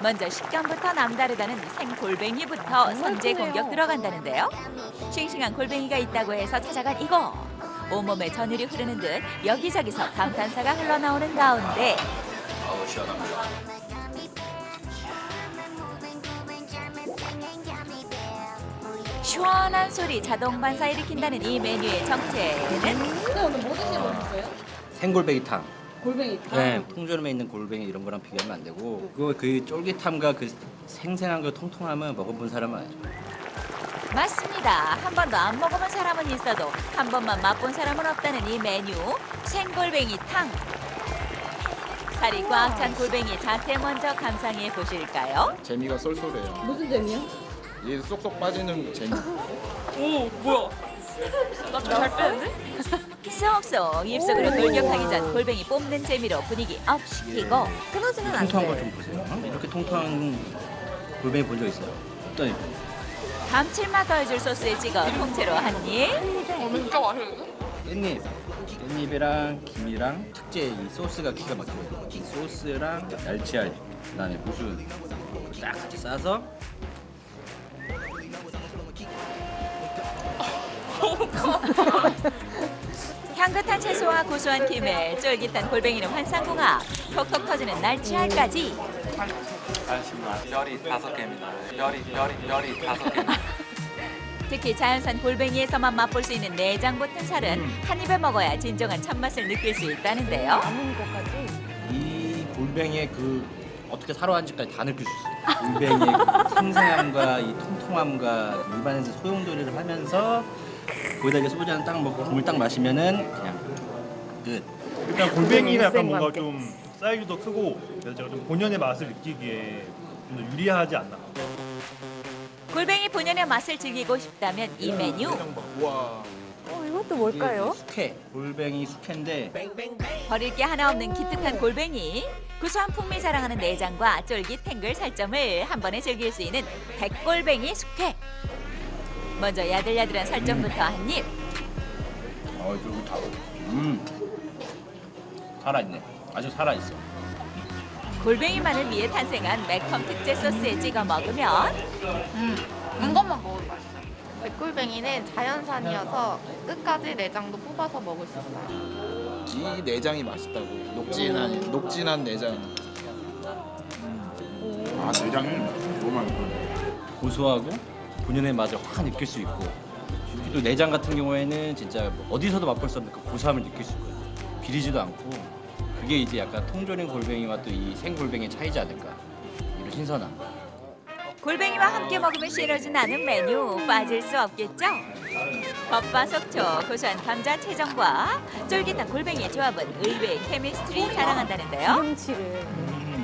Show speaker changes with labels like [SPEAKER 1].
[SPEAKER 1] 먼저 식감부터 남다르다는 생골뱅이부터 선제 공격 들어간다는데요. 싱싱한 골뱅이가 있다고 해서 찾아간 이곳. 온몸에 전율이 흐르는 듯 여기저기서 감탄사가 흘러나오는 가운데
[SPEAKER 2] 아우 시원합니다.
[SPEAKER 1] 시원한 소리 자동 반사 일으킨다는 이 메뉴의 정체는
[SPEAKER 3] 근데 오늘 뭐 드시러 오셨어요?
[SPEAKER 2] 생골뱅이탕.
[SPEAKER 3] 골뱅이탕.
[SPEAKER 2] 네, 통조림에 있는 골뱅이 이런 거랑 비교하면 안 되고 그 쫄깃함과 그 생생한 그 통통함은 먹어본 사람은 알죠.
[SPEAKER 1] 맞습니다. 한 번도 안 먹어본 사람은 있어도 한 번만 맛본 사람은 없다는 이 메뉴 생골뱅이탕. 살이 꽉 찬 골뱅이 자태 먼저 감상해 보실까요?
[SPEAKER 4] 재미가 쏠쏠해요.
[SPEAKER 3] 무슨 재미요?
[SPEAKER 4] 이게 쏙쏙 빠지는 재미.
[SPEAKER 5] 오 뭐야? 나 좀 잘 빼는데?
[SPEAKER 1] 쏙쏙 입속으로 돌격하기 전 골뱅이 뽑는 재미로 분위기 업 시키고
[SPEAKER 3] 끊어지면 안
[SPEAKER 2] 통통한 걸
[SPEAKER 3] 돼.
[SPEAKER 2] 좀 보세요. 이렇게 통통한 골뱅이 본 적 있어요? 어떤
[SPEAKER 1] 감칠맛 더해줄 소스에 찍어 통째로 한 입.
[SPEAKER 5] 진짜 맛있는데?
[SPEAKER 2] 깻잎이랑 김이랑 특제 이 소스가 기가 막히거든요. 이 소스랑 날치알, 그다음에 무순 딱 같이 싸서
[SPEAKER 1] 향긋한 채소와 고소한 김에 쫄깃한 골뱅이는 환상궁합, 톡톡 터지는 날치알까지.
[SPEAKER 6] 알겠습니다. 별이 5개입니다. 별이 5개입니다.
[SPEAKER 1] 특히 자연산 골뱅이에서만 맛볼 수 있는 내장 붙은 살은 한 입에 먹어야 진정한 참맛을 느낄 수 있다는데요.
[SPEAKER 3] 남은 것까지.
[SPEAKER 2] 이 골뱅이의 그 어떻게 살아왔는지까지 다 느낄 수 있어요. 골뱅이의 그 생생함과 이 통통함과 입안에서 소용돌이를 하면서 거기다 이제 소주 한 딱 먹고 국물 딱 마시면은 그냥 끝.
[SPEAKER 7] 일단 골뱅이가 약간
[SPEAKER 3] 쌩과
[SPEAKER 7] 뭔가
[SPEAKER 3] 함께.
[SPEAKER 7] 좀 사이즈도 크고 그래서 제가 좀 본연의 맛을 느끼기에 좀 더 유리하지 않나.
[SPEAKER 1] 골뱅이 본연의 맛을 즐기고 싶다면 이 메뉴.
[SPEAKER 4] 우와.
[SPEAKER 3] 이것도
[SPEAKER 2] 이게
[SPEAKER 3] 뭘까요?
[SPEAKER 2] 숙회, 골뱅이 숙회인데
[SPEAKER 1] 버릴 게 하나 없는 기특한 골뱅이. 구수한 풍미 자랑하는 내장과 쫄깃 탱글 살점을 한 번에 즐길 수 있는 백골뱅이 숙회. 먼저 야들야들한 살점부터 한 입.
[SPEAKER 2] 쫄깃하고 살아있네. 아주 살아있어.
[SPEAKER 1] 골뱅이만을 위해 탄생한 매콤 특제 소스에 찍어 먹으면
[SPEAKER 5] 이것만 먹어도 맛있어.
[SPEAKER 8] 백골뱅이는 자연산이어서 끝까지 내장도 뽑아서 먹을 수 있어요.
[SPEAKER 4] 이 내장이 맛있다고. 녹진한 내장. 아 내장이 너무 맛있어.
[SPEAKER 2] 고소하고 본연의 맛을 확 느낄 수 있고 또 내장 같은 경우에는 진짜 뭐 어디서도 맛볼 수 없는 그 고소함을 느낄 수 있고요. 비리지도 않고 그게 이제 약간 통조림 골뱅이와 또 이 생골뱅이의 차이지 않을까. 이런 신선함.
[SPEAKER 1] 골뱅이와 함께 먹으면 싫어진 않은 메뉴 빠질 수 없겠죠? 겉바속촉 고소한 감자 채정과 쫄깃한 골뱅이의 조합은 의외의 케미스트리 자랑한다는데요.
[SPEAKER 3] 기름칠을.